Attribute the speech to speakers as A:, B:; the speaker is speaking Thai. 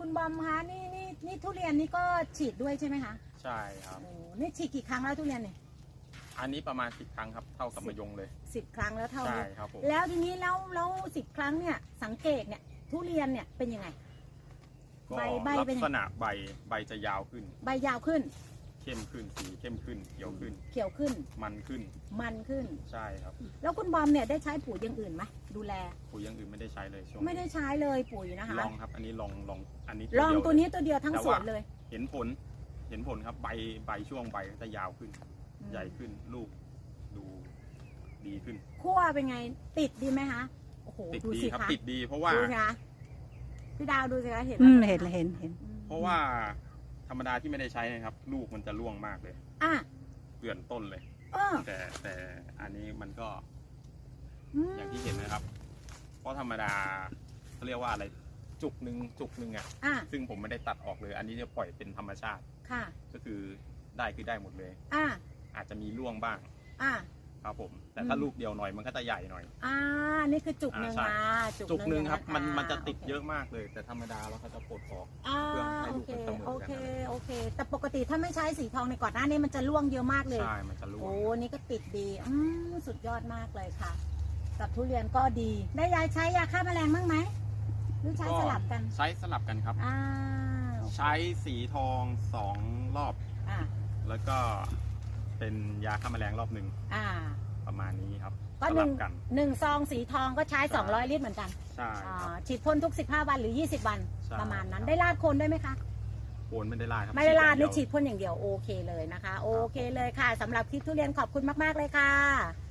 A: คุณบอมคะนี่ทุเรียนนี่ก็ฉีดด้วยใช่ไหมคะ
B: ใช่ครับ
A: โอ้นี่ฉีดกี่ครั้งแล้วทุเรียนเนี่ย
B: อันนี้ประมาณ10 ครั้งครับเท่ากับมะยงเลย
A: 10 ครั้งแล้วเท่า
B: ใช่
A: นี้
B: ครับผม
A: แล้วทีนี้แล้ว10 ครั้งเนี่ยสังเกตเนี่ยทุเรียนเนี่ยเป็นยังไง
B: ก็
A: ใบ
B: ลั
A: เป็น
B: ก
A: ยัง
B: ษ
A: ไง
B: ณะใบจะยาวขึ้น
A: ใบยาวขึ้น
B: เข้มขึ้นสีเข้มขึ้นเขียวขึ้น
A: เขียวขึ้น
B: มันขึ้น
A: มันขึ้น
B: ใช่ครับ
A: แล้วคุณบอมเนี่ยได้ใช้ปุ๋ยอย่างอื่นไหมดูแล
B: ปุ๋ยอย่างอื่นไม่ได้ใช้เลยช่วง
A: ไม่ได้ใช้เลยปุ๋ยนะคะ
B: ลองครับ อันนี้ลองอันนี้
A: ลอง
B: เดีย
A: ตัว
B: เย
A: นี้ตัวเดียวทั้ง
B: แต่
A: สว
B: ว่า
A: นเลย
B: เห็นผลครับใบช่วงใบก็จะยาวขึ้น ใหญ่ขึ้นลูกดูดีขึ้น
A: คั่วเป็นไงติดดีไหมคะโอ้โห
B: ติด
A: ดู
B: ดี
A: สิ
B: ครับ
A: คะ
B: ติดดีเพราะว่า
A: ดูสิคะพี่ดาวดูสิคะเห็น
C: เห็น
B: เพราะว่าธรรมดาที่ไม่ได้ใช้นะครับ ลูกมันจะร่วงมากเลย
A: อ่ะ
B: เกลื่อนต้นเลย
A: เออ
B: แต่อันนี้มันก็
A: ม
B: อย่างที่เห็นนะครับ เพราะธรรมดาเขาเรียกว่าอะไรจุกหนึ่งอ่ะ
A: อ่ะ
B: ซึ่งผมไม่ได้ตัดออกเลย อันนี้จะปล่อยเป็นธรรมชาติ
A: ค่ะ
B: ก็คือได้หมดเลย
A: อ่ะ
B: อาจจะมีร่วงบ้าง
A: อ่ะ
B: ครับผม แต่ถ้า
A: อืม
B: ลูกเดียวหน่อยมันก็จะใหญ่หน่อย
A: อ่านี่คือจุกหนึ่ง
B: ใช่
A: นะ
B: จุกหนึ่งครับ
A: ะะ
B: มันจะติด
A: โค
B: เยอะมากเลย แต่ธรรมดาแล้วเขาจะปลดออก
A: อ่า
B: เพื่อให้
A: โอ
B: ลูก
A: เค
B: มันเสมอกัน
A: โอเคโอเค แต่ปกติถ้าไม่ใช้สีทองในก่อนหน้านี้มันจะร่วงเยอะมากเลย
B: ใช่มันจะร่วง
A: โอ้นี่ก็ติดดีสุดยอดมากเลยค่ะ กับทุเรียนก็ดี ได้ยายใช้ยาฆ่าแมลงบ้างไหมหรือใช้สลับกัน
B: ใช้สลับกันครับ
A: อ่า
B: ใช้สีทอง2 รอบ
A: อ่า
B: แล้วก็เป็นยาฆ่าแมลงรอบหนึ่ง
A: อ่า
B: ประมาณนี้ครับ
A: ก็
B: ส
A: ห
B: ลั
A: นึ่ง
B: บกัน
A: ซองสีทองก็ใช้
B: ใช่
A: 200 ลิตรเหมือนกัน
B: ใช่ครับ
A: ฉีดพ่นทุก15 วันหรือ 20 วัน
B: ใช่
A: ประมาณนั้น
B: ครับ
A: ได้ลาดโคนด้วยไหมคะ
B: โคนไม่ได้ลาดครับ
A: ไม่ได้ลาด
B: อ
A: หรื
B: ย่
A: อง
B: เยว
A: ฉีดพ่นอย่างเดียวโอเคเลยนะคะ โอเคเลยค่ะสำหรับคลิปทุเรียนขอบคุณมากๆเลยค่ะ